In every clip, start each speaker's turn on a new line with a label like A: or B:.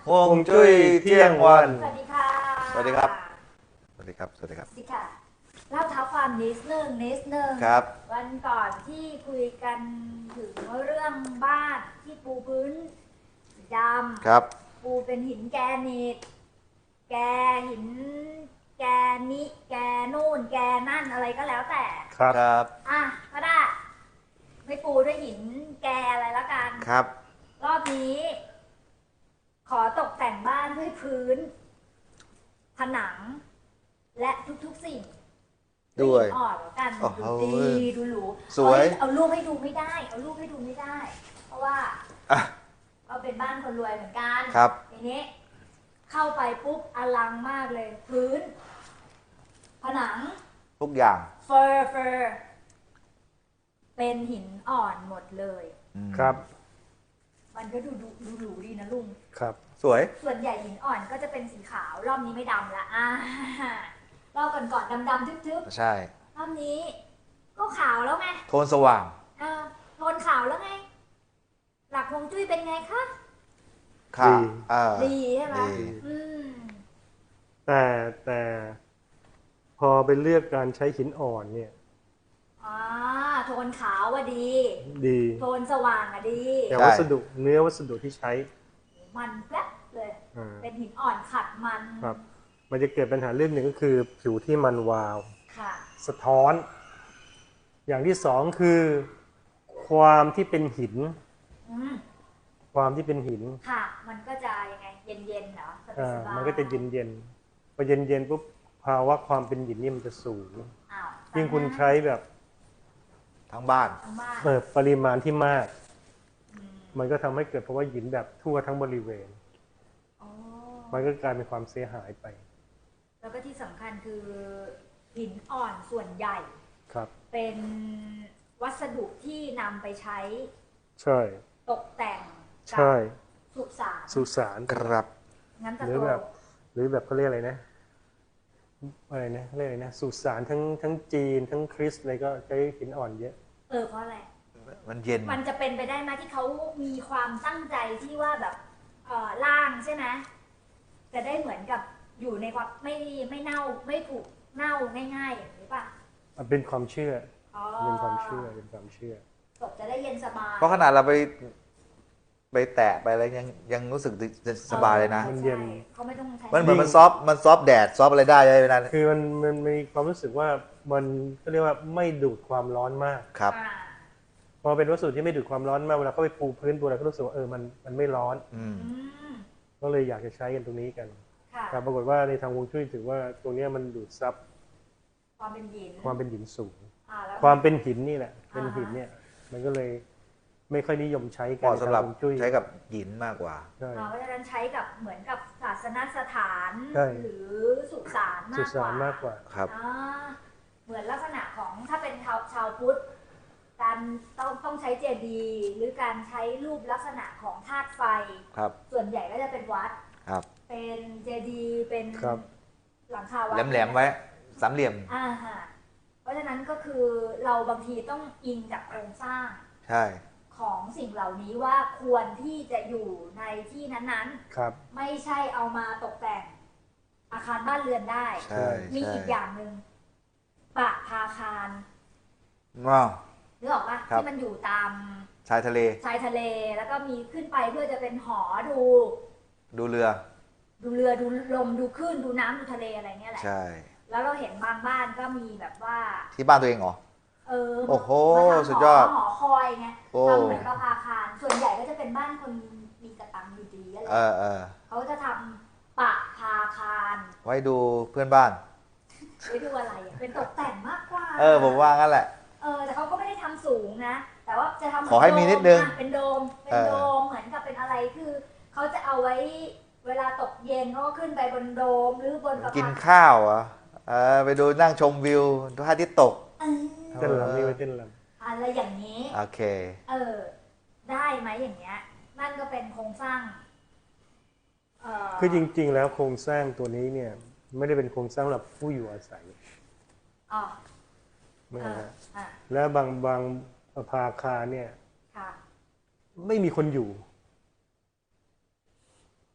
A: ฮวงจุ้ยเที่ยงวัน
B: สวัสดีค่ะ
A: สวัสดีครับสวัสดีครับสวัสดีครับ
B: สวัสดีค่ะเล่าเท้าความนิดนึง
A: ครับ
B: วันก่อนที่คุยกันถึงเรื่องบ้านที่ปูพื้นสีด
A: ครับ
B: ำปูเป็นหินแกรนิตแกหินแกนิแกนู่นแกนั่นอะไรก็แล้วแต่
A: ครับ
B: อ่ะก็ได้ไม่ปูด้วยหินแกอะไรละกัน
A: ครับ
B: รอบนี้ขอตกแต่งบ้านด้วยพื้นผนังและทุกๆสิ่ง
A: ด้วย
B: อ่อนแล้วกัน
A: โอ้โห
B: ดูดีดูหรู
A: สวย
B: เอารูปให้ดูไม่ได้ เพราะว่า
A: อ่ะ
B: เราเป็นบ้านคนรวยเหมือนกัน
A: ครับ
B: ทีนี้เข้าไปปุ๊บอลังมากเลย พื้น ผนัง
A: ทุกอย่าง
B: เฟอร์เป็นหินอ่อนหมดเลย
C: ครับ
B: มันก็ดูหรูดีนะลุง
C: ครับ
A: สวย
B: ส่วนใหญ่หินอ่อนก็จะเป็นสีขาว รอบนี้ไม่ดำละรอบก่อนดำทึบ
A: ใช่
B: ๆรอบนี้ก็ขาวแล้วไง
A: โทนสว่าง
B: โทนขาวแล้วไง หลักฮวงจุ้ยเป็นไงคะ
A: ค่ะ
C: ดี
B: ดีใช่ไหม
A: ดี
B: อืม
C: แต่พอไปเลือกการใช้หินอ่อนเนี่ย
B: โทนขาวอะดี
C: ดี
B: โทนสว่างอะดี
C: แต่
A: ใช่
C: วัสดุที่ใช้
B: มันแป๊บเลย
C: อ่า
B: เป็นหินอ่อนขัดมัน
C: ครับ มันจะเกิดปัญหาเรื่องหนึ่งก็คือผิวที่มันวาว
B: ค่ะ
C: สะท้อน อย่างที่สองคือความที่เป็นหิน
B: อืม
C: ความที่เป็นหิน
B: ค่ะ มันก็จะยังไง เย็นๆเหรอสบายๆ
C: มันก็จะเย็นพอเย็นปุ๊บภาวะความเป็นหินนี่มันจะสูง
B: อ้าว
C: ยิ่งคุณใช้แบบ
A: ทั้งบ้าน
B: ทั้งบ้าน
C: ปริมาณที่มาก
B: อืม
C: มันก็ทำให้เกิดภาวะหินแบบทั่วทั้งบริเวณ
B: อ๋อ
C: มันก็กลายเป็นความเสียหายไป
B: แล้วก็ที่สำคัญคือหินอ่อนส่วนใหญ่
C: ครับ
B: เป็นวัสดุที่นำไปใช้
C: ใช่
B: ตกแต่งกั
C: ใช่
B: สุสาน
C: สุสาน
A: ครับ
B: งั้นจะ
C: หรือ
B: โต
C: แบบเขาเรียกอะไรนะเขาเรียกอะไรนะสุสานทั้งจีนทั้งคริสต์อะไรก็ใช้หินอ่อนเยอะ
B: เพราะอะไร
A: มันเย็น
B: มันจะเป็นไปได้ไหมที่เขามีความตั้งใจที่ว่าแบบร่างใช่ไหมจะได้เหมือนกับอยู่ในความไม่เน่าไม่ผุเน่าง่ายๆอย่างนี้ป่ะ
C: มันเป็นความเชื่อ
B: อ๋อ
C: เป็นความเชื่อ
B: ศพจะได้เย็นสบาย
A: เพราะขนาดเราไปแตะไปอะไรยังรู้สึกสบายเลยนะ
C: มันเย็น
B: ใช่เขาไม่ต้องใช้
A: มันเหมือนมันซอฟต์แดดซอฟต์อะไรได้เลยนะ
C: คือมันมีความรู้สึกว่ามันก็เรียกว่าไม่ดูดความร้อนมาก
A: ครับ
C: พอเป็นวัสดุที่ไม่ดูดความร้อนมากเวลาเขาไปปูพื้นปูอะไรก็รู้สึกว่ามันไม่ร้อน
A: อืม
B: อืม
C: ก็เลยอยากจะใช้กันตรงนี้กัน
B: ค่ะ
C: แต่ปรากฏว่าในทางฮวงจุ้ยถือว่าตรงเนี้ยมันดูดซับ
B: ความเป็นหิน
C: ความเป็นหินสูง
B: แล้ว
C: ความเป็นหินนี่แหละ เป็นหินเนี่ย มันก็เลยไม่ค่อยนิยมใช้
A: เห
C: กัน
A: มาะสำหรับ
C: ในทางฮวงจุ้ย
A: ใช้กับหินมากกว่า
C: ใช่
B: เพราะฉะนั้นใช้กับเหมือนกับศาสนสถาน
C: ใช่
B: หรือสุสาน
C: สุ
B: มากก
C: สา
B: ว่าน
C: มากกว่า
A: ครับ
B: เหมือนลักษณะของถ้าเป็นชาวพุทธการต้องใช้เจดีย์หรือการใช้รูปลักษณะของธาตุไฟ
A: ครับ
B: ส่วนใหญ่ก็จะเป็นวัด
A: ครับ
B: เป็นเจดีย์เป็น
C: ครับ
B: หลังคาวัด
A: แหลมๆไว้สามเหลี่ยม
B: ฮะเพราะฉะนั้นก็คือเราบางทีต้องอิงจากโครงสร้าง
A: ใช่
B: ของสิ่งเหล่านี้ว่าควรที่จะอยู่ในที่นั้น
C: ครับ
B: ๆ ไม่ใช่เอามาตกแต่งอาคารบ้านเรือนได้
A: ใช่
B: มี
A: ใช่
B: อีกอย่างหนึ่งปะพาคาร
A: ว้าว
B: นึกออกปะ
A: ครับ
B: ที่มันอยู่ตาม
A: ชายทะเล
B: ชายทะเลแล้วก็มีขึ้นไปเพื่อจะเป็นหอดู
A: ดูเรือ
B: ดูเรือดูลมดูคลื่นดูน้ำดูทะเลอะไรเงี้ยแหละ
A: ใช่
B: แล้วเราเห็นบางบ้านก็มีแบบว่า
A: ที่บ้านตัวเองเหรอ โอ้โห
B: มาทำ
A: สุดยอด
B: หอคอยไง
A: โอ้
B: ทำเหมือนกับอาคาร ส่วนใหญ่ก็จะเป็นบ้านคนมีกระตังอยู่ดีอะไร
A: เออ
B: เขาจะทำปะพาคาร
A: ไว้ดูเพื่อนบ้าน
B: ไว้ดูอะไรอะเป็นตกแต่งมากกว่า
A: ผมว่างั้นแหละ
B: แต่เขาก็ไม่ได้ทำสูงนะ แต่ว่าจะทำ
A: ขอให้มีนิดนึง
B: เป็นโดมเหมือนกับเป็นอะไรคือเขาจะเอาไว้เวลาตกเย็นเขาก็ขึ้นไปบนโดมหรือบนสะพาน
A: กินข้าวเหรอไปดูนั่งชมวิวดูพระอาทิตย์ตก
B: เออ
C: เต้นรำนี่ไว้เต้นร
B: อะไรอย่างนี้
A: โอเค
B: ได้ไหมอย่างเงี้ย นั่นก็เป็นโครงสร้าง
C: ำคือจริงๆแล้วโครงสร้างตัวนี้เนี่ย ไม่ได้เป็นโครงสร้างสำหรับผู้อยู่อาศัย
B: อ๋อ
C: ไม่
B: อ่า
C: นะ
B: อ่า
C: และบางอาคารเนี่ย
B: ค่ะ
C: ไม่มีคนอยู่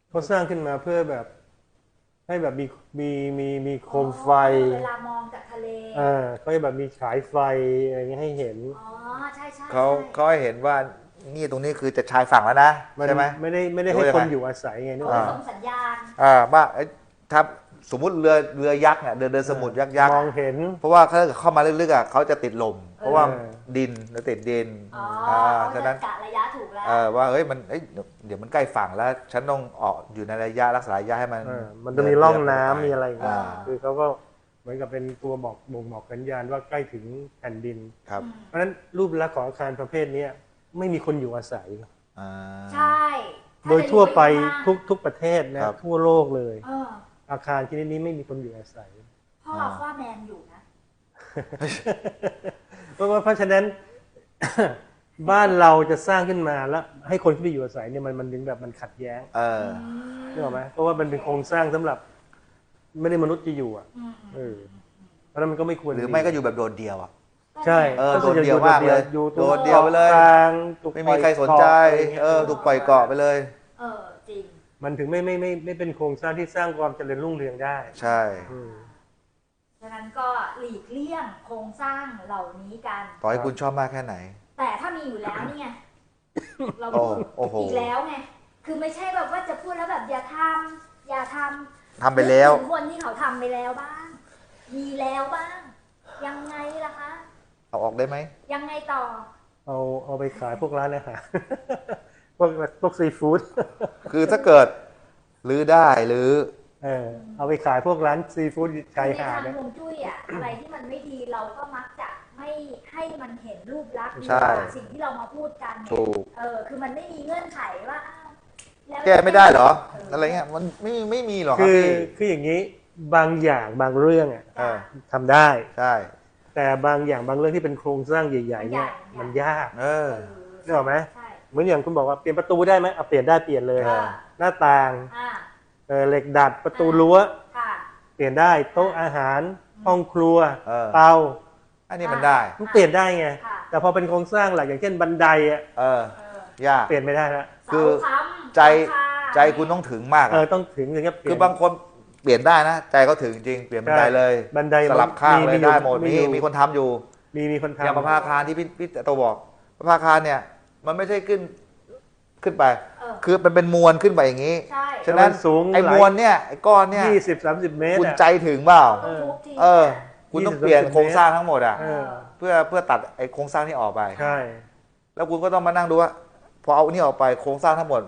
C: เขาสร้างขึ้นมาเพื่อแบบให้แบบมีโคมไฟ
B: เวลามองจากทะเล
C: เขาจะแบบมีฉายไฟอะไรเงี้ยให้เห็น
B: อ๋อใช่ใช่
A: เขาให้เห็นว่านี่ตรงนี้คือจะชายฝั่งแล้วนะใช่ไหม
C: ไม่ได้ให้คนอยู่อาศัยไงนึก
B: เขา
C: ว่า
B: ส่งสัญญาณ
A: ว่าถ้าสมมุติเรือยักษ์เนี่ยเดินสมุทรยักษ์
C: มองเห็น
A: เพราะว่าถ้าเข้ามาลึกๆเขาจะติดลม เพราะว่าดินจะติดดิน
B: อ๋อ
A: ฉะนั้น
B: กะระยะถูกแล้ว
A: ว่าเฮ้ยมันเดี๋ยวมันใกล้ฝั่งแล้ว ฉันต้องออกอยู่ในระยะรักษาระยะให้มัน
C: มันจะมีร่องน้ำมีอะไรอย่างเงี้ย
A: อ่า
C: คือเขาก็เหมือนกับเป็นตัวบ่งบอกสัญญาณว่าใกล้ถึงแผ่นดิน
A: ครับ
C: เพราะฉะนั้นรูปลักษณ์ของอาคารประเภทเนี้ยไม่มีคนอยู่อาศัย
A: อ่า
B: ใช่
C: โดยทั่วไป
B: ทุก
C: ทุกประเทศนะครับ ทั่วโลกเลย อาคารชนิดนี้ไม่มีคนอยู่อาศัย
B: พ่อว่าแมนอยู่นะ
C: เพราะฉะนั้น บ้านเราจะสร้างขึ้นมาแล้วให้คนที่ไปอยู่อาศัยเนี่ยมันถึงแบบมันขัดแย้ง นึกออกไหมเพราะว่ามันเป็นโครงสร้างสำหรับ ไม่ได้มนุษย์จะอยู่อ่ะเพราะฉะนั้นมันก็ไม่ควร
A: หรือไม่ก็อยู่แบบโดดเดี่ยวอ่ะ
C: ใช่
A: โดดเดี่ยวมากเลย
C: อยู่ตรง
A: โดดเดี่ยวไปเลย
C: กลางถูก
A: ไม่มีใครสนใจ
C: ปล่อยเกาะ
A: ถูกปล่อยเกาะไปเลย
B: จริง
C: มันถึงไม่เป็นโครงสร้างที่สร้างความเจริญรุ่งเรืองได้
A: ใช่
B: ฉะนั้นก็หลีกเลี่ยงโครงสร้างเหล่านี้กัน
A: ต่อให้คุณชอบมากแค่ไหน
B: แต่ถ้ามีอยู่แล้วนี่ไง เรา
A: โอ้โห
B: อีกแล้วไง คือไม่ใช่แบบว่าจะพูดแล้วแบบอย่าทำ
A: ทำไปแล้ว
B: นึกถึงคนที่เขาทำไปแล้วบ้าง มีแล้วบ้าง ยังไงล่ะคะ
A: เอาออกได้ไหม
B: ยังไงต่อ
C: เอาไปขายพวกร้านอาหาร พวกซีฟู้ด
A: คือถ้าเกิดรื้อได้หรือ
C: เอาไปขายพวกร้านซีฟู้ดชาย
B: ใน
C: หาด
B: ทาง
C: เนี่ย
B: ฮวงจุ้ยอะอะไรที่มันไม่ดีเราก็มักจะไม่ให้มันเห็นรูปลักษณ์ดี
A: ใช่
B: กว่าสิ่งที่เรามาพูดกันเนี่ย
A: ถูก
B: คือมันไม่มีเงื่อนไขว่าอ้าวล้ว
A: แก้ไม่ได้เหรอ อะไรเงี้ยมันไม่มีหรอกครับพี่
C: คืออย่างนี้บางอย่างบางเรื่องอ่ะ
A: เออ
C: ทำได้
A: ใช่
C: แต่บางอย่างบางเรื่องที่เป็นโครงสร้างใหญ่ๆเนี่ยมันยาก นึกออกไหม
B: ใช่
C: เหมือนอย่างคุณบอกว่าเปลี่ยนประตูได้ไหมเอาเปลี่ยนได้เปลี่ยนเลย
B: เออ
C: หน้าต่าง
B: อ่า
C: เหล็กดัดประตูรั้ว
B: ค่ะ
C: เปลี่ยนได้โต๊ะอาหาร ห้องครัว
A: เออ
C: เตา
A: อันนี้มันได้
C: มันเปลี่ยนได้ไง
B: ค่ะ
C: แต่พอเป็นโครงสร้างหลักอย่างเช่นบันไดอ่ะ
A: ยาก
C: เปลี่ยนไม่ได้ละ
A: คือ
B: เสาค้ำ
A: ใจ
B: หลังคา
A: ใจคุณต้องถึงมากอะ
C: ต้องถึงอย่างเงี้ยเปลี่ยน
A: คือบางคนเปลี่ยนได้นะ ใจเขาถึงจริงเปลี่ยนบันไดเลย
C: บันได
A: สลับข้างเลย
C: อยู่
A: ได้หมด
C: อยู่
A: มีคนทำอยู่
C: มีคนทำ
A: อย่างประภาคารที่พี่โตบอกประภาคารเนี่ย มันไม่ใช่ขึ้นไป คือมันเป็นมวลขึ้นไปอย่างนี้
B: ใช่
A: ฉะนั้น
C: มันสูง
A: ไอ้มวลเนี่ยไอ้ก้อนเนี่ย
C: 20-30 เมตร
A: คุณ
C: อะ
A: ใจถึงเปล่า
B: ต้องทุบทิ้ง
A: คุณต้องเปลี่ยนโครงสร้างทั้งหมดอ่ะ
C: เออ
A: เพื่อตัดไอ้โครงสร้างที่ออกไป
C: ใช่
A: แล้วคุณก็ต้องมานั่งดูว่าพอเอานี่ออกไปโครงสร้างทั้งหมด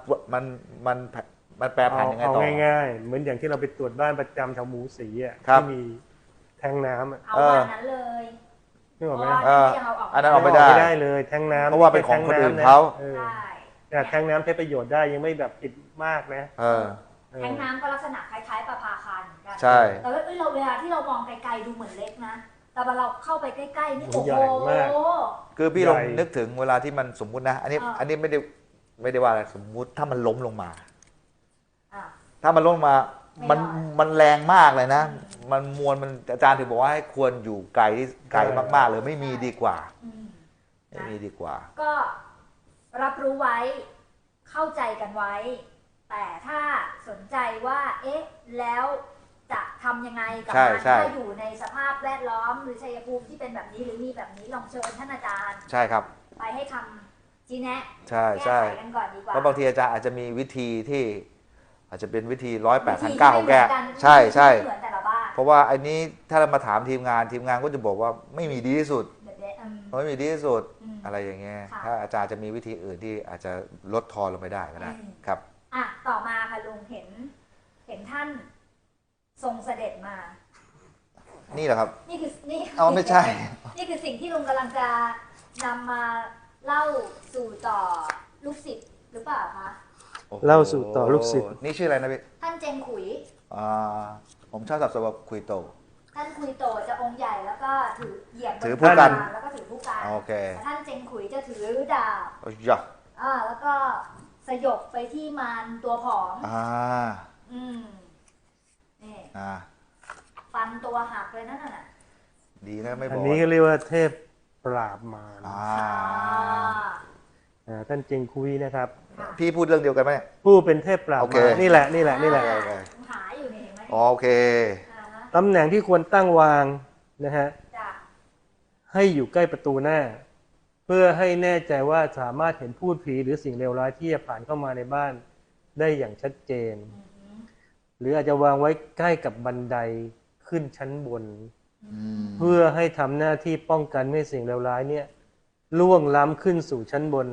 A: มันแปรผันยังไง
C: เอา
A: ต่อ
C: ง่ายๆ เหมือนอย่างที่เราไปตรวจบ้านประจำแถวหมูสีอ่ะ
A: ครับ
C: ที่มีแทงน้ำอ่ะ
B: เอาวันนั้นเลย
C: นึกออกไหม
B: เพราะว่ายังเอาออก
A: อันนั้นออกไม่ได้
C: ไม่ได้เลยแทงน้ำ
A: เพราะว่าเป็นของคนอื่นเขา
B: ใช่
C: แต่แทงน้ำใช้ประโยชน์ได้ยังไม่แบบผิดมากนะ
B: แทงน้ำก็ลักษณะคล้ายๆประภาคารเหมือนกัน
A: ใช่
B: แต่ว่าเราเวลาที่เรามองไกลๆดูเหมือนเล็กนะ แต่พอเราเข้าไปใกล้ๆนี่โอ้
C: ให
B: โห
C: ญ่มาก
A: คือพี่ลอง
C: ใหญ่
A: นึกถึงเวลาที่มันสมมุตินะ อันนี้ไม่ได้ว่าอะไรสมมุติถ้ามันล้มลงมา
B: อ่ะ
A: ถ้ามันล้มลงมา
B: ไม่
A: มันแรงมากเลยนะ มันมวลมันอาจารย์ถึงบอกว่าให้ควรอยู่ไกลมากๆเลยไม่มีดีกว่า
B: อืม
A: ไม่มีดีกว่า
B: ก็รับรู้ไว้เข้าใจกันไว้ แต่ถ้าสนใจว่า เอ๊ะ แล้วจะทำยังไงกับ
A: ใช่
B: มัน
A: ใช่
B: ถ้าอยู่ในสภาพแวดล้อมหรือชัยภูมิที่เป็นแบบนี้หรือมีแบบนี้ลองเชิญท่านอาจารย์
A: ใช่ครับ
B: ไปให้คำชี้แนะ
A: ใช่
B: แก้
A: ใช่
B: ไขกันก่อนดีกว่า
A: เพราะบางทีอาจารย์อาจจะมีวิธีที่ อาจจะเป็นวิธี108
B: วิธี
A: 1,900ของแก
B: ไม่เหมือนน
A: ใช่ใช่
B: ไม่เหมือนแต่ละบ้าน
A: เพราะว่าอันนี้ถ้าเรามาถามทีมงานก็จะบอกว่าไม่มีดีที่สุด
B: แบบนี้
A: ไม่มีดีที่สุด
B: อืม
A: อะไรอย่างเงี้ย
B: ค่ะ
A: ถ้าอาจารย์จะมีวิธีอื่นที่อาจจะลดทอนลงไปได้ก็ได้
B: อืม
A: ครับ
B: อ่ะต่อมาค่ะลุงเห็นท่านทรงเสด็จมา
A: นี่แหละครับ
B: นี่คือนี่
A: เอาไม่ใช่
B: นี่คือสิ่งที่ลุงกำลังจะนำมาเล่าสู่ต่อลูกศิษย์หรือเปล่าคะ
A: โอ้โห
C: เล่าสู่ต่อลูกศิษย์
A: นี่ชื่ออะไรนะพี่
B: ท่านเจงขุย
A: ผมชอบสับสนว่าคุยโต
B: ท่านคุยโตจะองค์ใหญ่แล้วก็ถือเหยียบบน
A: ถือผู้กัน
B: แล้วก็ถือผู้กัน
A: โอเค
B: แต่ท่านเจงขุยจะถือดาบ
A: โอ้ยยะ
B: แล้วก็สยบไปที่มารตัวผอม
A: อ่า
B: อืมนี่
A: อ่า
B: ฟันตัวหักเลยนั่นน่ะ
A: ดีนะไม่บ
C: อั
A: อน ก
C: นี้ก็เรียกว่าเทพปราบมาร
A: อ่า
B: อ่า
C: ท่านเจงคุยนะครับ
B: ค่ะ
A: พี่พูดเรื่องเดียวกันไหม
C: ผู้เป็นเทพปราบ
A: โอเค
C: มารนี่แหละนี่แหละนี่แหละ
A: โอเค
B: หาอยู่เนี่ยเห็นไหม
A: อ๋อโอเค
B: อ่าฮะ
C: ตำแหน่งที่ควรตั้งวางนะฮะ
B: จ้ะ
C: ให้อยู่ใกล้ประตูหน้า เพื่อให้แน่ใจว่าสามารถเห็นพูดผีหรือสิ่งเลวร้ายที่จะผ่านเข้ามาในบ้านได้อย่างชัดเจน
B: อือหือ
C: หรืออาจจะวางไว้ใกล้กับบันไดขึ้นชั้นบน
A: อืม
C: เพื่อให้ทำหน้าที่ป้องกันไม่ให้สิ่งเลวร้ายเนี่ยล่วงล้ำขึ้นสู่ชั้นบน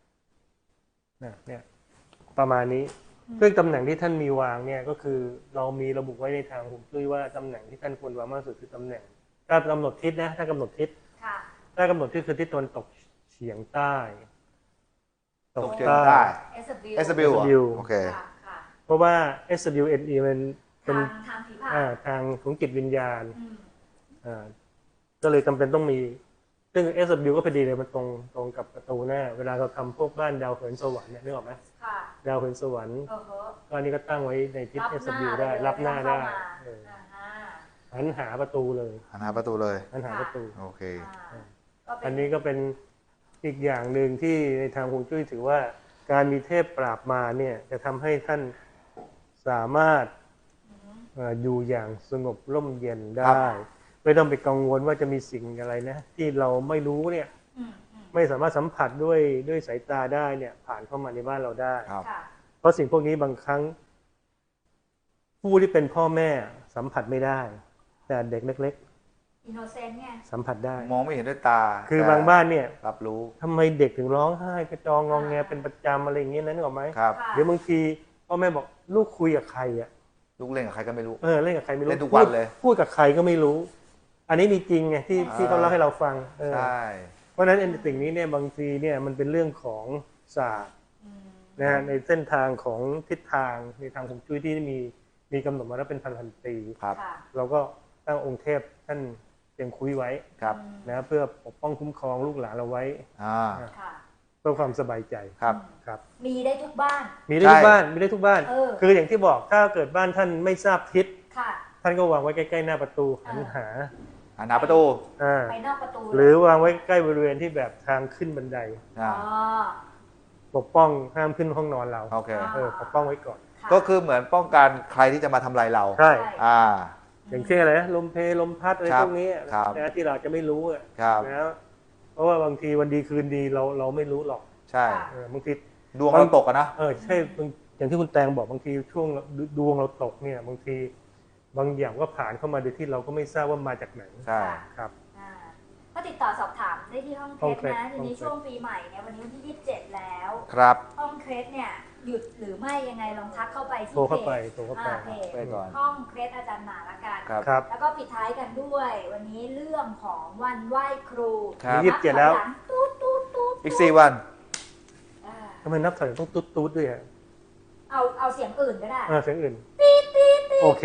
C: เนี่ยประมาณนี้ซึ่งตำแหน่งที่ท่านมีวางเนี่ยก็คือเรามีระบุไว้ในทางฮวงจุ้ยว่าตำแหน่งที่ท่านควรวางมากที่สุดคือตำแหน่งถ้ากำหนดทิศนะถ้ากำหนดทิศ
B: ค่ะ
C: ถ้ากำหนดทิศคือทิศตะวันตกเฉียงใต้
A: ตกเฉียงใต้
B: SW
A: SW เหรอ
C: SW
A: โอเค
B: ค่ะค่ะ
C: เพราะว่า SWNE มันเป็น
B: ทางผีผ่าน
C: ทางของจิตวิญญาณ
B: อืม
C: ก็เลยจำเป็นต้องมี ซึ่ง SW ก็พอดีเลยมันตรงกับประตูหน้า เวลาเราทำพวกบ้านดาวเหินสวรรค์เนี่ยนึกออกไหม
B: ค่ะ
C: ดาวเหินสวรรค์
B: โอ้โห
C: ก็อันนี้ก็ตั้งไว้ในทิศ
B: รับหน้า
C: SW ได้รับหน้าได้
B: เข้ม
C: เออ
B: อ่าฮะ
C: หันหาประตูเลย
A: หันหาประตูเลย
C: หันหาประตู
A: โอเค
B: อ่าก็เป็
C: อันนี้ก็เป็นอีกอย่างหนึ่งที่ในทางฮวงจุ้ยถือว่าการมีเทพปราบมารเนี่ยจะทำให้ท่านสามารถอยู่อย่างสงบร่มเย็น
A: ครั
C: ได้
A: บ
C: ไม่ต้องไปกังวลว่าจะมีสิ่งอะไรนะ ที่เราไม่รู้เนี่ย
B: อืมอืม
C: ไม่สามารถสัมผัสด้วยสายตาได้เนี่ย ผ่านเข้ามาในบ้านเราได้
A: ครับ
B: ค่ะ
C: เพราะสิ่งพวกนี้บางครั้ง ผู้ที่เป็นพ่อแม่สัมผัสไม่ได้ แต่เด็กเล็ก
B: อินโนเซนต์ไง
C: ๆ สัมผัสได้
A: มองไม่เห็นด้วยตา
C: คือ
A: แต่
C: บางบ้านเนี่ย
A: รับรู้
C: ทำไมเด็กถึงร้องไห้กระจองงองแงเป็นประจำอะไรอย่างเงี้ยนั้นหรอกไหม
A: ครับ
B: ค่ะ
C: เดี๋ยวบางทีพ่อแม่บอกลูกคุยกับใครอ่ะ
A: ลูกเล่นกับใครก็ไม่รู้
C: เล่นกับใครไม่รู้
A: เล่นทุกวันเลย
C: พูดกับใครก็ไม่รู้ อันนี้มีจริงไงที่เขาเล่าให้เราฟัง
A: ใช่
C: เพราะฉะนั้นไอ้สิ่งนี้เนี่ยบางทีเนี่ยมันเป็นเรื่องของศาสตร์
B: อืม
C: นะฮะในเส้นทางของทิศทางในทางฮวงจุ้ยที่มีกำหนดมาแล้วเป็นพันปี
A: ครับ
B: ค่ะ
C: เราก็ตั้งองค์เทพท่านเตรียมคุยไว้
A: ครับ
B: อืม
C: นะเพื่อปกป้องคุ้มครองลูกหลานเราไว้
B: ค่ะ
C: เพื่อความสบายใจ
A: ครับ
C: ครับ
B: มีได้ทุกบ้าน
C: มีได้ทุกบ้านมีได้ทุกบ้าน
B: เออ
C: คืออย่างที่บอกถ้าเกิดบ้านท่านไม่ทราบทิศ
B: ค่ะ
C: ท่านก็วางไว้ใกล้ๆหน้าประตูหันหา
A: หันหาประตู
C: อ่า
B: ไปนอกประตู
C: หรือวางไว้ใกล้บริเวณที่แบบทางขึ้นบันได
A: อ่า
B: อ๋อ
C: ปกป้องห้ามขึ้นห้องนอนเรา
A: โอเค
C: ปกป้องไว้ก่อน
B: ค่ะ
A: ก็คือเหมือนป้องกันใครที่จะมาทำลายเรา
C: ใช่
A: อ่า
C: อย่างเช่นอะไรนะลมเพลลมพัดอะไร
A: ครับ
C: พวกนี้
A: ครับ
C: นะที่เราจะไม่รู้อะ
A: ครับ
C: นะเพราะว่าบางทีวันดีคืนดีเราไม่รู้หรอก
A: ใช่
C: บางที
A: ดวงเราตกอะนะ
C: ใช่อย่างที่คุณแตงบอกบางทีช่วงดวงเราตกเนี่ยบางทีบางอย่างก็ผ่านเข้ามาโดยที่เราก็ไม่ทราบว่ามาจากไหน
A: ใช่
C: ครับ
B: อ่าก็ติดต่อสอบถามได้ที่ห้องเค
C: ห้อง
B: ส
C: เคส
B: นะทีนี้
C: ห้องเคส
B: ช่วงปีใหม่เนี่ยวันนี้วันที่ 27 แล้ว
A: ครับ
B: ห้องเคสเนี่ยหยุดหรือไม่ยังไงลองทักเข้าไปที่
C: โทรเข้าไป
B: พจ
C: โทรเข้าไป
B: เพจ
A: ไปก่อน
B: ห้องเคสอาจารย์หมาละกัน
A: ครับ
C: ครับ
B: แล้วก็ปิดท้ายกันด้วย วันนี้เรื่องของวันไหว้ครู
A: ครับ
C: ยี่สิบเจ็ดแล้ว
B: นับถอยหงตูดตูดตูด
A: อีก4 วัน
B: อ่า
C: ทำไมนับถอยต้องตุ๊ดๆด้วยอะ
B: เอาเสียงอื่นก็ได้
C: เสียงอื่นโอเค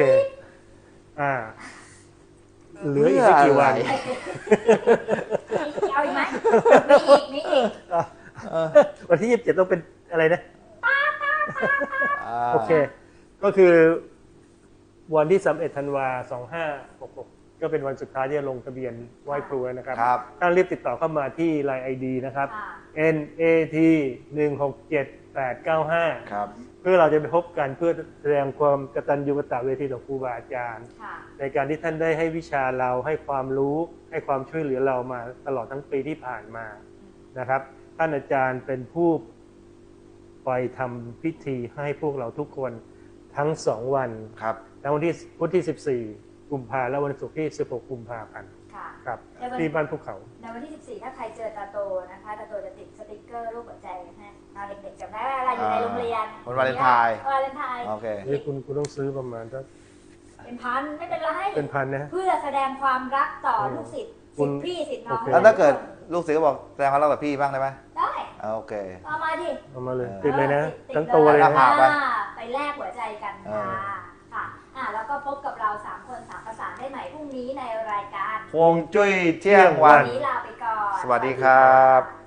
C: เหลืออีกไม่กี่วัน
A: เพื่ออะไร
B: เอาอีกไหมมีอีก
C: วันที่ 27 ต้องเป็นอะไรนะ
A: า
C: โอเค ก็คือวันที่31 ธันวา2566 ก็เป็นวันสุดท้ายที่จะลงทะเบียนไหว้ครูแล้วนะครับ
A: ครับ
C: ท่านรีบติดต่อเข้ามาที่ Line ID นะครับ
B: ค่ะ
C: NAT 167895
A: ครับ
C: เพื่อเราจะไปพบกันเพื่อแสดงความกตัญญูกตเวทีต่อครูบาอาจารย์
B: ค่ะ
C: ในการที่ท่านได้ให้วิชาเราให้ความรู้ให้ความช่วยเหลือเรามาตลอดทั้งปีที่ผ่านมานะครับ ท่านอาจารย์เป็นผู้ไปทำพิธีให้พวกเราทุกคนทั้ง2 วัน
A: ครับ
C: ทั้งวันที่พุธที่ 14 กุมภาพันธ์และวันศุกร์ที่ 16 กุมภาพันธ์
B: ค่ะ
C: ครับ
B: ในวัน
C: ที่บ้านภูเขา
B: ในวันที่ 14 ถ้าใครเจอตาโตนะคะตาโตจะติดสติกเกอร์รูปหัวใจให้เราเด็กๆจำได้ว่าอะไรอยู่ในโรงเรียน
A: วันวาเลนไทน์
B: วาเลนไทน์
A: โอเค
C: นี่คุณต้องซื้อประมาณสัก
B: เป็นพันไม่เป็นไร
C: เป็นพันนะ
B: เพื่อแสดงความรักต่อลูกศิษย์
C: คุ
B: ศิษ
C: ณ
B: ย์พี่ศิษย์น้อง
C: โอเค
A: แล้วถ้าเกิดลูกศิษย์ก็บอกแสดงความรักกับพี่บ้างได้ไหม
B: ได้
A: โอเค
B: เอามาดิ
C: เอามาเลย
A: เออ
C: ติดเลยนะ
B: ติด
C: ทั้งตัวเลย
A: หน้า
C: นะ
A: ผาก ไป
B: ไปแลกหัวใจกัน
A: เอ
B: ค่ะ
A: อ
B: ค่ะแล้วก็พบกับเรา3 คน3 ประสานได้ใหม่พรุ่งนี้ในรายการ
A: ฮวงจุ้ยเที่ยงวั
B: วัน นนี้ลาไปก่อน
A: สวัสดีครับ